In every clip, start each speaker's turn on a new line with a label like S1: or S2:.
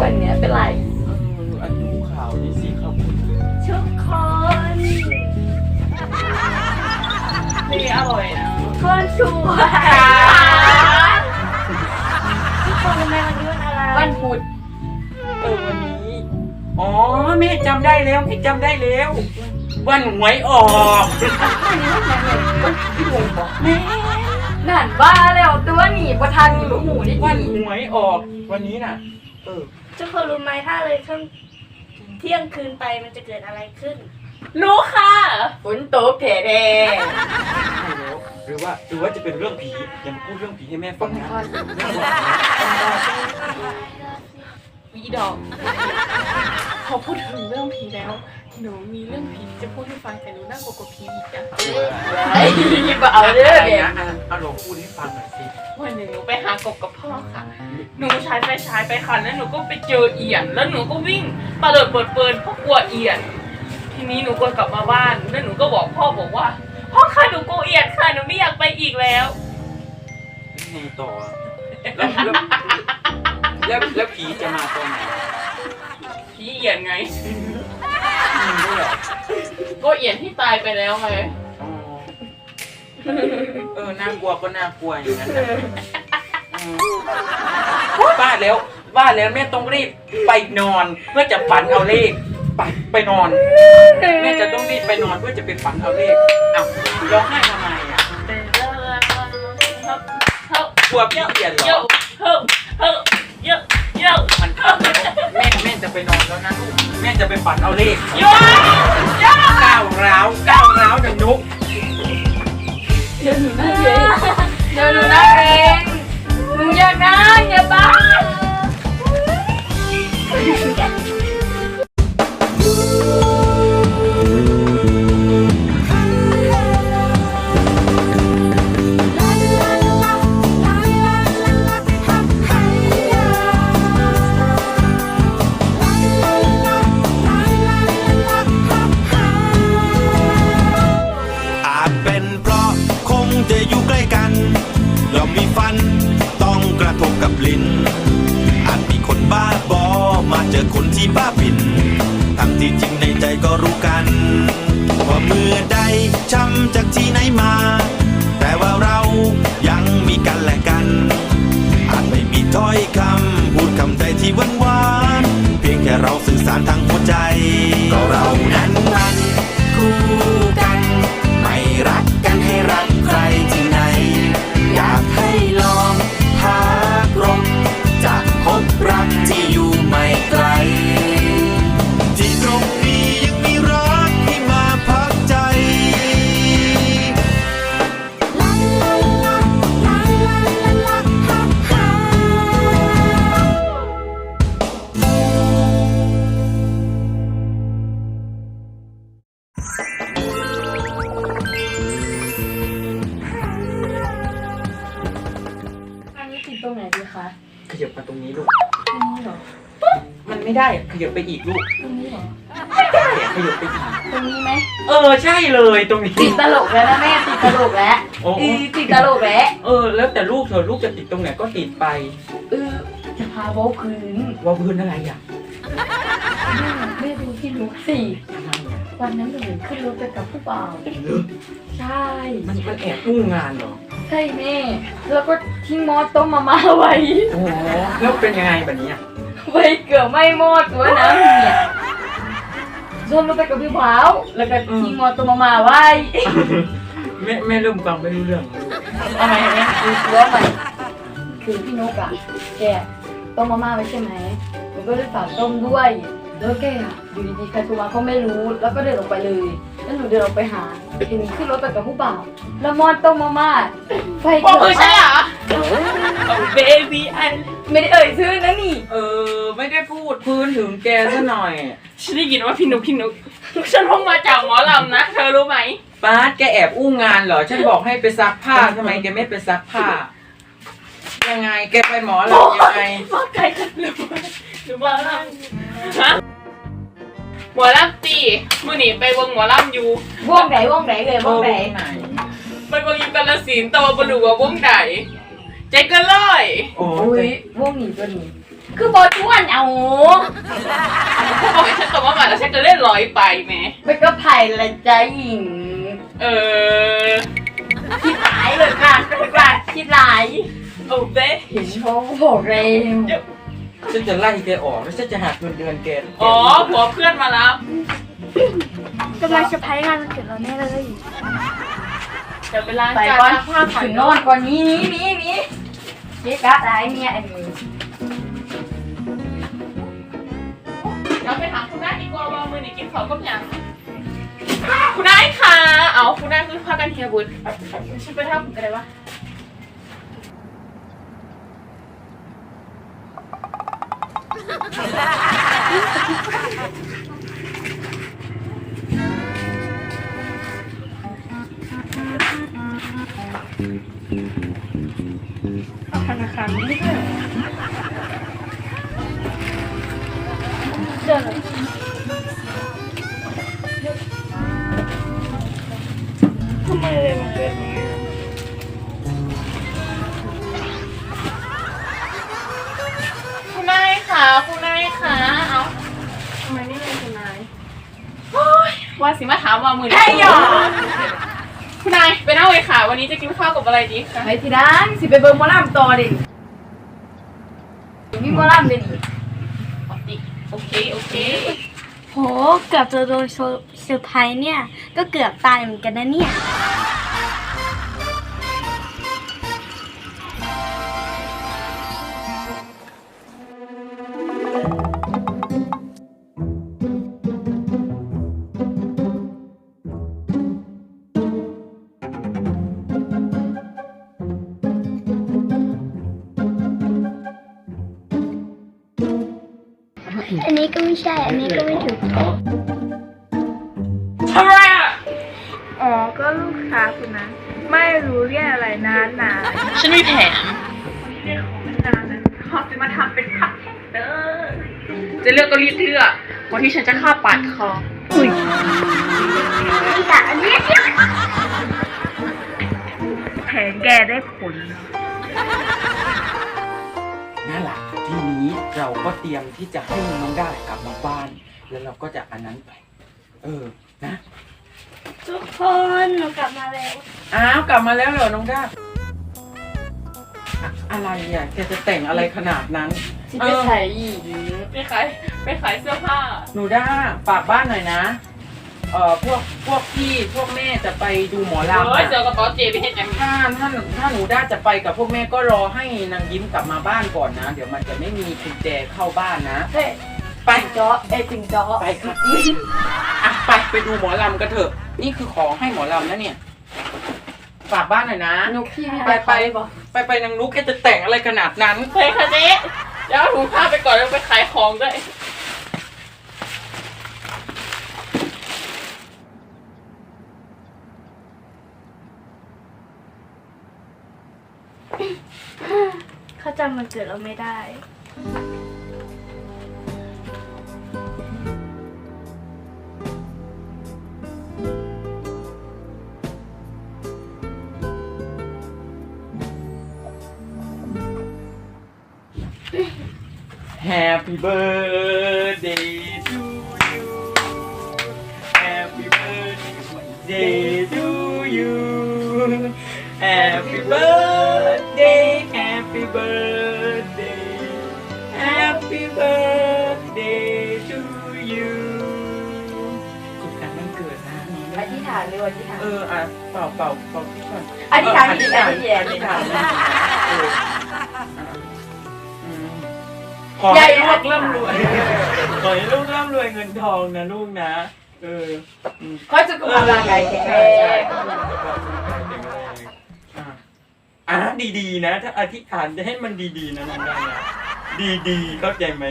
S1: วันเนี้ยเป็นไร
S2: อันดูข่าวนี่สิครับคุณ
S1: ทุกคน
S3: นี่อร่อยนะ
S1: คนสวยทุกคนทำไมวันนี้วันอะไร
S2: วันพุธวันนี้อ๋อแม่จำได้แล้วแม่จำได้แล้ววันหวยออก
S1: พี่หงบอกแม่นั่นบ้าแล้วตัวหนีประทันหนูหูได้
S2: วันหวยออกวันนี้น่ะ
S4: ทุกคนรู้ไหมถ้าเลยช่วงเที่ยงคืนไปมันจะเกิดอะไรขึ้น
S3: รู้ค่ะ
S1: ฝนตกแท้
S2: ใช่แล้วหรือว่าจะเป็นเรื่องผีอย่ามาพูดเรื่องผีให้แม่ฟังนะ
S3: วีดอกพอพูดถึงเรื่องผีแล้วหนูมีเรื่องผีจะพูดให้ฟังแต่หนูน่ากลัวกว่าผีอีกนะ
S1: ไอ้ยี่ปเอาเด้อเนี่ย
S2: เอาลองพูดให้ฟังหน่อยสิ
S3: วันหนึ่งหนูไปหากบกับพ่อค่ะหนูใช้ไฟฉายไปค่ะแล้วหนูก็ไปเจอเอียนแล้วหนูก็วิ่งตะเลิดเปิดเปิดเพราะกลัวเอียนทีนี้หนูก็กลับมาบ้านแล้วหนูก็บอกพ่อบอกว่าพ่อค่ะหนูกลัวเอียนค่ะหนูไม่อยากไปอีกแล้ว
S2: ไงต่อแล้วผีจะมาตอนไหน
S3: ผีเอียนไงก็เอียนที่ตายไปแล้วไง
S2: น่ากลัวก็น่ากลัวอย่างนั้นบ้าแล้วแม่ต้องรีบไปนอนเพื่อจะฝันเอาเลขไปนอนแม่จะต้องรีบไปนอนเพื่อจะไปฝันเอาเลขอ้าวร้องไห้ทำไมอ่ะกลัวพี่เอียนเหรอมันเข้าแล้วแม่จะไปนอนแล้วนะลูกแม่จะไปฝันเอาเลขก้าวร้าวดังนุ๊ก
S1: เดี๋ยวหนูนั่งเองหนูอย่านั่งอย่าบ้า
S5: คนที่บ้าบินทั้งที่จริงในใจก็รู้กันว่าเมื่อใดช้ำจากที่ไหนมาแต่ว่าเรายังมีกันและกันอาจไม่มีถ้อยคำพูดคำใดที่หวานเพียงแค่เราสื่อสารทางหัวใจก็เรานั้นมันคู่กันไม่รักกันให้รักใครที่ไหนอยากให้ลองหากลมจะพบรักที่อยู่ไม่ไกลที่ตรงนี้ยังมีรักที่มาพักใจ
S1: อันนี้ติดตรงไหนดีคะ
S2: ขยับมาตรงนี้ลูก
S1: ตรงนี้เหรอ
S2: มันไม่ได้ขยับไปอีกลูก
S1: ตรงนี้เหรอ
S2: ไม่ได้ขยับไปอีก
S1: ตรงนี้ไหม
S2: ใช่เลยตรงนี้
S1: ติดตลกแล้วนะแม่ติดตลกแล้วติดตลกแล้ว
S2: แล้วแต่ลูกเธอลูกจะติดตรงไหนก็ติดไป
S1: จะพาเว้าพื้
S2: นอะไรอ่ะ
S1: แม่ดูที่ลุกสิวันนั้นหนูขึ้นรถไปกับผู้บ่าวใช่
S2: มันแอบอู้งานเหรอ
S1: ใช่แม่แล้วก็ทิ้งมอสต้มมาไว้
S2: แล้วเป็นยังไงแบบนี้
S1: ไว้เกือบไม่หมดตัวน้ำเนี่ยชวนเราไปกับพี่บ่าวแล้วก็ทิ้งมอสต้มมาไว้
S2: แม่เริ่มฟังไม่รู้เรื่อง
S1: อะไรแม่คือตัวใหม่คือพี่นกอะแกต้มมาม่าไว้ใช่ไหมมันก็เลยฝากต้มด้วยแล้วแกอะอยู่ดีๆใครโทรมาก็ไม่รู้แล้วก็เดินออกไปเลยแล้วหนูเดินออกไปหาเห็นขึ้นรถไปกับผู้บ่าวแล้วมอสต้มมาม่าไฟเกิด
S3: ใช่เหรอเบบี้อัน
S1: ไม่ได้เอ่ยชื่อนะนี่
S2: ไม่ได้พูดพื้นถึงแกซะหน่อย
S3: ฉันได้ยินว่าพี่นุ๊กฉันเพิ่งมาจากหมอลำนะเธอรู้ไหม
S2: ป้าแกแอบอู้งานเหรอฉันบอกให้ไปซักผ้าทำไมแกไม่ไปซักผ้ายังไงแกไปหมอลำยังไง
S3: ว่าไกลกันหรือว่าลำฮะหมอลำตีมื่อนี้ไปวงหมอลำอยู่
S1: วงไหนเลยวงไหน
S3: ไปวงอยู่กาฬสินธุ์แต่ว่าบรรลุว่าวงไหนใจเกินร้อย
S1: โอ้ยวงนี้ตัวนี้คือบอชวนเอา
S3: พวกบอกให้ฉันกลับมาใหม่แล้วฉันจะเล่นร้อยไปไหม
S1: ไปก็ไผ่ละจ้าหญิง คิดหลายเลยค่ะคิดหลาย
S3: โอ้เบ้
S1: เห็นเขาบอกเร็ว
S2: ฉันจะไล่แกออกแล้วฉันจะหักเงินเดือนแก
S3: อ๋อผัวเพื่อนมาแล้ว
S4: กำลังเซอร์ไพรส์งานวันเกิดเราแน่เลย
S3: เดี๋ยวไปล้าง
S1: ไป
S3: จาน
S1: ก่อน
S3: ล้างผ้าผ่อน
S1: ถึงนอนก่อนนี้เจ๊กะได้เมียอันนี้
S3: เดี๋ยวไปถามคุณนายดีกว่าว่ามือนี่กินข้าวกับยังคุณนายค่ะเอาคุณนายคือพากันเฮียบุญฉันไปทำกันได้ปะธนาคารไม่ได้เจอทำไมเลยมันเป็นอย่างนี้คุณนายค่ะคุณนายค่ะเอาทำไมไม่เป็นคุณนายโอ้ยว่าสิมาถามว่ามือนี้คุณนายไปนั่งเลยค่ะ วันนี้จะกินข้าวกับอะไรดีคะ
S1: ไปที่ด้านสิไปเบิ่งหมอลำต่อดิมีหมอลำเลยดิ
S3: ปกติโอเค
S4: โหเกือบจะโดนเซอร์ไพรส์เนี่ยก็เกือบตายเหมือนกันนะเนี่ย อันนี้ก็ไม่ใช่ อันนี้ก็ไม่ถูก
S3: ทำไรอ่ะ
S6: อ๋อ ก็ลูกค้าคนนั้นไม่รู้เรียกอะไรนาน
S3: ฉันมีแผน
S6: ๆเรียกของนานนั้นเขาจะมาทำเป็นคัพเค้กเด้อ
S3: จะเลือกก็รีบเลือกวันที่ฉันจะฆ่าปาดคอ
S4: แต่อันนี้
S6: แผนแกได้ผล
S2: นั่นแหละทีนี้เราก็เตรียมที่จะให้น้องได้กลับมาบ้าน แล้วเราก็จะอันนั้นไป นะ
S4: ทุกคนหนูกลับมาแล้ว
S2: อ้าวกลับมาแล้วเหรอน้องด้าอะไรอ่ะแกจะแต่งอะไรขนาดนั้น
S1: สิไปใส่อีก
S3: ไปขายเสื้อผ้า
S2: หนูด้าฝากบ้านหน่อยนะพวกพี่พวกแม่จะไปดูหมอลำ
S3: เฮ้ย
S2: อะ
S3: เสื้อกระเป๋าเจไปเห็นยังไง
S2: ถ้าหนูด้าจะไปกับพวกแม่ก็รอให้นางยิ้มกลับมาบ้านก่อนนะ เดี๋ยวมันจะไม่มีกุญแจเข้าบ้านนะ
S1: เฮ้ย
S2: ไป
S1: จ้อจริงจ้อ
S2: ไปค่ะอ่ะไปดูหมอลำกันเถอะ นี่คือของให้หมอลำนะเนี่ย ฝากบ้านหน่อยนะ
S1: นุกพี่
S2: ไปนางนุ๊กแกจะแต่งอะไรขนาดนั้น
S3: เฮ้ยค่ะเจ๊เดี๋ยวเอาถุงผ้าไปก่อนแล้วไปขายของด้วย
S4: เขาจำวันเกิดเราไม่ได้
S2: Happy birthday to you Happy birthday to you Happy birthday Happy birthday Happy birthday to you สุขสันต์วันเกิดนะ
S1: อธิษฐานเลยอธิษฐาน
S2: เป่าที่ก่อน
S1: อธิษฐาน
S2: อธิษฐานขอให้ลูกร่ำรวยขอให้ลูกร่ำรวยเงินทองนะลูกนะ
S1: เขาจะกุมารร่างกายแข็งแรง
S2: ดีๆนะถ้าอธิษฐานจะให้มันดีๆนะน้องได้นะดีๆเข้าใจไหม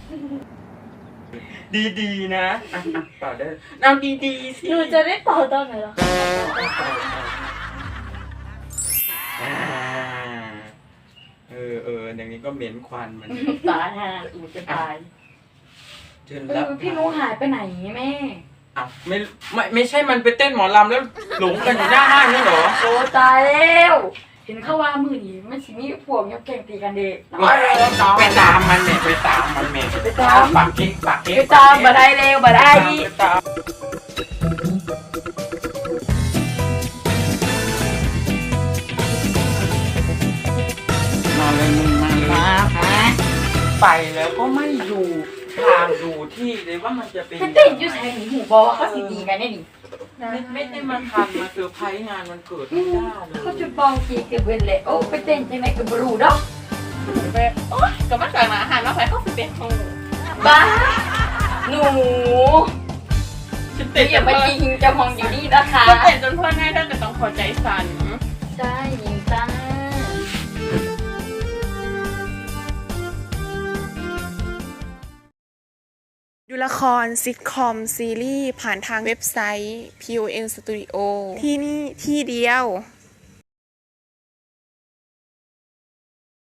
S2: ดีๆนะเป่าได้เอาดีๆสิ
S4: หนูจะได้เป่าตอนไหนหรอ
S2: อย่างนี้ก็เหม็นควันมัน
S1: ตายฮะอูจะตาย
S2: เชิญรับ
S1: พี่นุหายไปไหนแม่
S2: อ้าวไม่ใช่มันไปเต้นหมอลำแล้วหลงกันอยู่หน้าห้างนี่เหรอ
S1: โอ้ตายแล้วเห็นเขาว่ามือนี้มันสิมีพวกยกเก่งตีกันเด็ก
S2: ไปตามมันแม่ไปตามมันแม่
S1: ไปตาม
S2: ปากเค้กปากเค้ก
S1: ไปตามบ่ได้เร็วบ่ได้
S2: ไปตาม มาเลยมึงมาเลย
S1: มาฮะ
S2: ไปแล้วก็ไม่อยู่ทางดูที่เลยว่ามันจะเป็น
S1: มันเต้นอยู่ใส่หนีหูบอกว่าเขาสิดีกันแน่นี่
S2: ไม่ได้มาทันมาเซอร์ไพรส์งานวันเกิดไม่ได้เลย
S1: เขาจุดบองกีเก็บเว้นเลยโอ้ไปเต้นจังไหนกับบรูดอก
S3: แบบโอ๊ยกับมาจากหนาอาหารมาใส่เข้าไปเป็นของหนู
S1: บ้าหนู
S3: ฉัน
S1: เดี๋
S3: เต้
S1: ย
S3: น
S1: วอย่ามายิงจะมองอยู่นี่นะคะ
S3: ก็เต้นจนเพื่อนง่ายถ้าเกิดต้องพอใจสั่น
S1: ใช่ยิงจ้า
S7: ดูละครซิทคอมซีรีส์ผ่านทางเว็บไซต์ PON Studio ที่นี่ที่เดียว